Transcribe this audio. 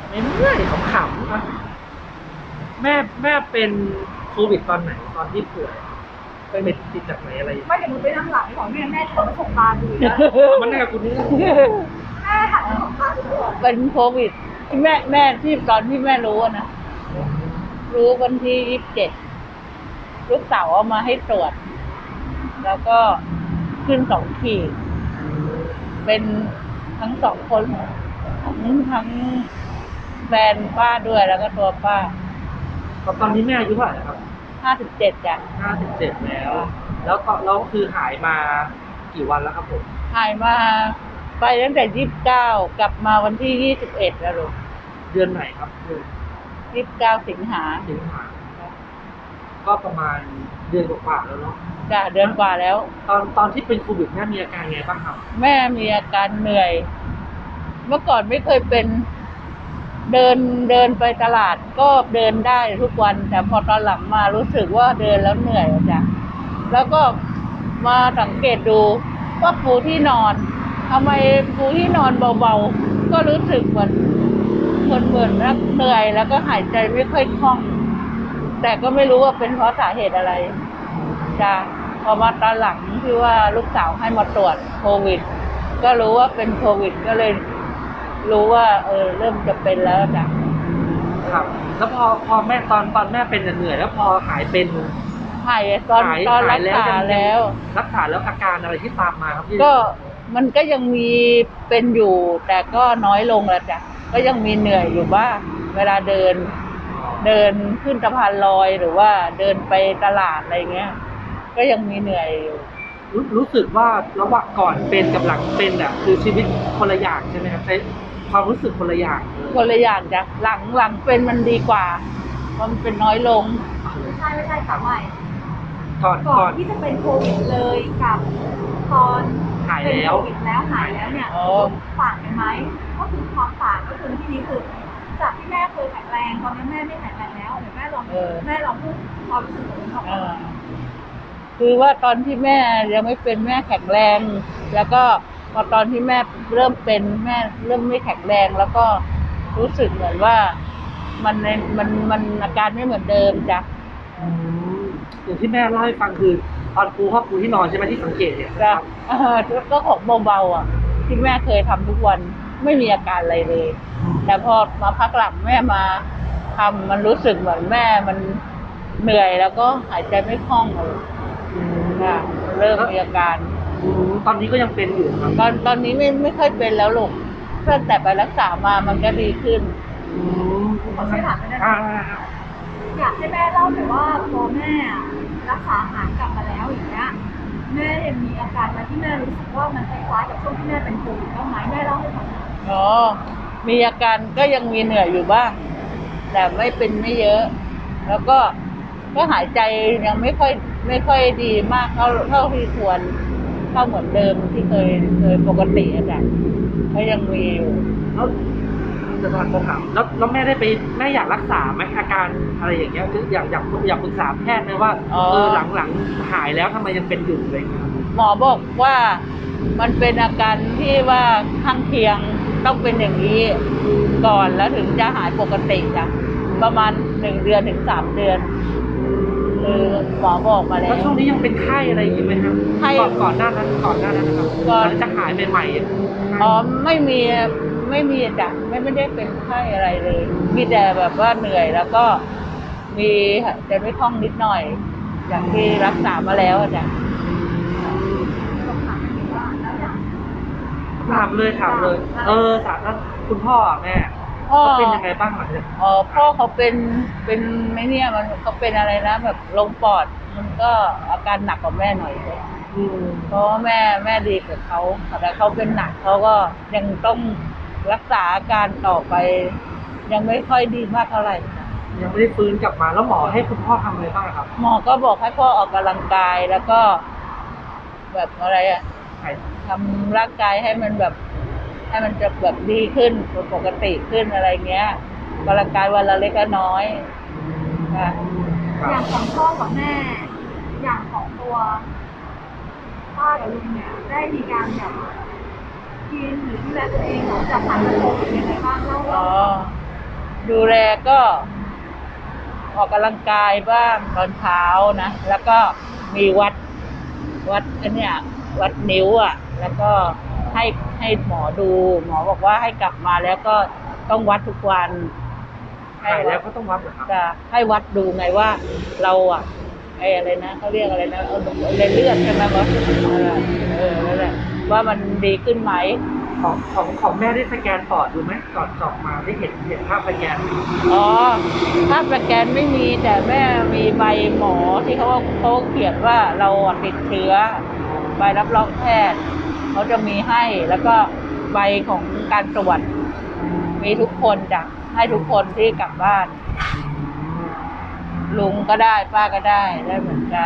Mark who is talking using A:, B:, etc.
A: ไม่เมื่อยขำๆนะแม่เป็นโควิดตอนไหนตอนที่ป่วยเป็นติดจากไหนอะไร
B: ไม่เดี๋ยวมึงไปนั่งหลังของแม่ถอดประสบการณ์ดูนะ
A: มันแน่กับคุณนี่
B: แม่หันประสบการณ์ดู
C: เป็นโควิดที่แม่ที่ตอนที่แม่รู้อะนะรู้วันที่27ลูกสาวเอามาให้ตรวจ แล้วก็ขึ้น2 ขีดเป็นทั้ง2 คนทั้งแฟนป้าด้วยแล้วก็ตัวป้า
A: ตอนนี้แม่อายุเท่าไหร่ครับ
C: 57จ้ะ
A: 57แล้วคือหายมากี่วันแล้วครับผม
C: หายมาไปตั้งแต่29กลับมาวันที่21แล้วลูก
A: เดือนไหนครับเดือน
C: 29 สิงหา
A: ก็ประมาณเดือนกว่าแล้วเนาะ
C: จ้ะเดือนกว่าแล้ว
A: ตอนที่เป็นโควิดแม่มีอาการไงบ้างครับ
C: แม่มีอาการเหนื่อยเมื่อก่อนไม่เคยเป็นเดินไปตลาดก็เดินได้ทุกวันแต่พอตอนหลังมารู้สึกว่าเดินแล้วเหนื่อยจ้ะแล้วก็มาสังเกตดูว่าปูที่นอนทำไมปูที่นอนเบาๆก็รู้สึกเหมือนเหนื่อยแล้วก็หายใจไม่ค่อยคล่องแต่ก็ไม่รู้ว่าเป็นเพราะสาเหตุอะไรจ้ะพอมาตอนหลังที่ว่าลูกสาวให้มาตรวจโควิดก็รู้ว่าเป็นโควิดก็เลยรู้ว่าเริ่มจะเป็นแล้วจ้ะ
A: ครับแล้วพอแม่ตอนแม่เป็นเหนื่อยแล้วพอหายเป็น
C: หายตอนรักษาแล้ว
A: อาการอะไรที่ตามมาครับพี่
C: ก็มันก็ยังมีเป็นอยู่แต่ก็น้อยลงแล้วจ้ะก็ยังมีเหนื่อยอยู่บ้างเวลาเดินขึ้นสะพานลอยหรือว่าเดินไปตลาดอะไรเงี้ยก็ยังมีเหนื่อยอยู่
A: รู้สึกว่าระหว่างก่อนเป็นกับหลังเป็นอ่ะคือชีวิตคนละอย่างใช่ไหมครับใช้ความรู้สึกคนละอย่าง
C: จ้ะหลังเป็นมันดีกว่ามันเป็นน้อยลง
B: ไม่ใช่ค่ะไม่
A: ก่อน
B: ที่จะเป็นโควิดเลยกับตอน
A: หายแล้ว
B: หายแล้วเนี่ยต่างกันไหมก็คือความต่างก็คือที่นี้คือจากที่แม่เคยแข็งแรงตอนนี้แม่ไม่แข็งแรงแล้วเดี๋ยวแม่ลองพูดความรู้สึกของคุณพ่อ
C: คือว่าตอนที่แม่ยังไม่เป็นแม่แข็งแรงแล้วก็พอตอนที่แม่เริ่มเป็นแม่เริ่มไม่แข็งแรงแล้วก็รู้สึกเหมือนว่ามันอาการไม่เหมือนเดิมจ้ะ
A: อย่างที่แม่เล่าให้ฟังคือตอนปูที่นอนใช่ไหมที่สังเกตเนี่ย
C: จ้ะก็ของเบาๆอ่ะที่แม่เคยทำทุกวันไม่มีอาการอะไรเลยแต่พอมาพักหลังแม่มาทำมันรู้สึกเหมือนแม่มันเหนื่อยแล้วก็หายใจไม่คล่องเลยเริ่มมีอาการ
A: ตอนนี้ก็ยังเป็นอยู่ครับ
C: ตอนนี้ไม่ค่อยเป็นแล้วลูกตั้งแต่ไปรักษามามันก็ดีขึ้น
B: ขอช่วยถามได้ไหมอยากให้แม่เล่าหน่อยว่าพอแม่รักษาหายกลับมาแล้วอย่างเงี้ยแม่ยังมีอาการมาที่แม่รู้สึกว่ามันคล้ายๆกับช่วงที่แม่เป็นโควิดบ้างไหมแม่เล่าให้ฟัง
C: มีอาการก็ยังมีเหนื่อยอยู่บ้างแต่ไม่เยอะแล้วก็หายใจยังไม่ค่อยดีมากเท่าที่ควรเท่าเหมือนเดิมที่เคยปกติอาจารย์ก็ยังมีอยู่
A: แล้วจะถามแล้วแม่ได้ไปแม่อยากรักษาไหมอาการอะไรอย่างเงี้ยคืออยากปรึกษาแพทย์ไหมว่าหลังหายแล้วทำไมยังเป็นอยู่อะไรเงี้ย
C: หมอบอกว่ามันเป็นอาการที่ว่าข้างเคียงต้องเป็นอย่างนี้ก่อนแล้วถึงจะหายปกติจ้ะประมาณ1 เดือนถึง3 เดือนหมอบอกมาแล้ว
A: ช่วงนี้ยังเป็นไข้อะไรอย่างงี้ไหมครับก่อนหน้านั้นนะครับก่อนจะหายใหม่
C: ๆไม่มีจ้ะไม่ได้เป็นไข้อะไรเลยมีแต่แบบว่าเหนื่อยแล้วก็มีแต่ไม่คล่องนิดหน่อยอย่างที่รักษามาแล้วจ้ะ
A: ถามเลยถามแล้วคุณพ่อแม่เขาเป็นยังไงบ้างหลังจาก
C: พ่อเขาเป็นไม่เนี่ยเขาเป็นอะไรนะแบบลงปอดมันก็อาการหนักกว่าแม่หน่อยเลยเพราะแม่ดีกับเขาแต่เขาเป็นหนักเขาก็ยังต้องรักษาอาการต่อไปยังไม่ค่อยดีมากเท่าไหร่
A: ยังไม่ได้ฟื้นกลับมาแล้วหมอให้คุณพ่อทำอะไรบ้างครับ
C: หมอก็บอกให้พ่อออกกำลังกายแล้วก็แบบอะไรทำร่างกายให้มันแบบให้มันจะแบบดีขึ้นปกติขึ้นอะไรเงี้ยกำลังกายวันละเล็กน้อย
B: อย่างของพ่อกับแม่อย่างของตัวป้ากับลุงเนี่ยได้มีการแบบกินหรือดูแลตัวเองหลังจากผ่านโควิดยังไงบ้างเล่า
C: ดูแลก็ออกกำลังกายบ้างตอนเช้านะ แล้วก็มีวัดอันเนี้ยวัดนิ้วอ่ะ แล้วก็ให้หมอดู หมอบอกว่าให้กลับมาแล้วก็ต้องวัดทุกวัน
A: หายแล้วก็ต้องวัดเหรอครับ
C: จะให้วัดดูไงว่าเราอ่ะไอ้อะไรนะเขาเรียกอะไรนะเลือดใช่ไหมวะนั่นแหละว่ามันดีขึ้นไหม
A: ของแม่ได้สแกนปอดดูไหมก่อนสอบมาได้เห็นภาพสแกนไหม
C: อ๋อภาพสแกนไม่มีแต่แม่มีใบหมอที่เขาเขียนว่าเราอะติดเชื้อใบรับรองแพทย์เขาจะมีให้แล้วก็ใบของการตรวจมีทุกคนจ้ะให้ทุกคนที่กลับบ้าน ลุงก็ได้ป้าก็ได้เหมือนกัน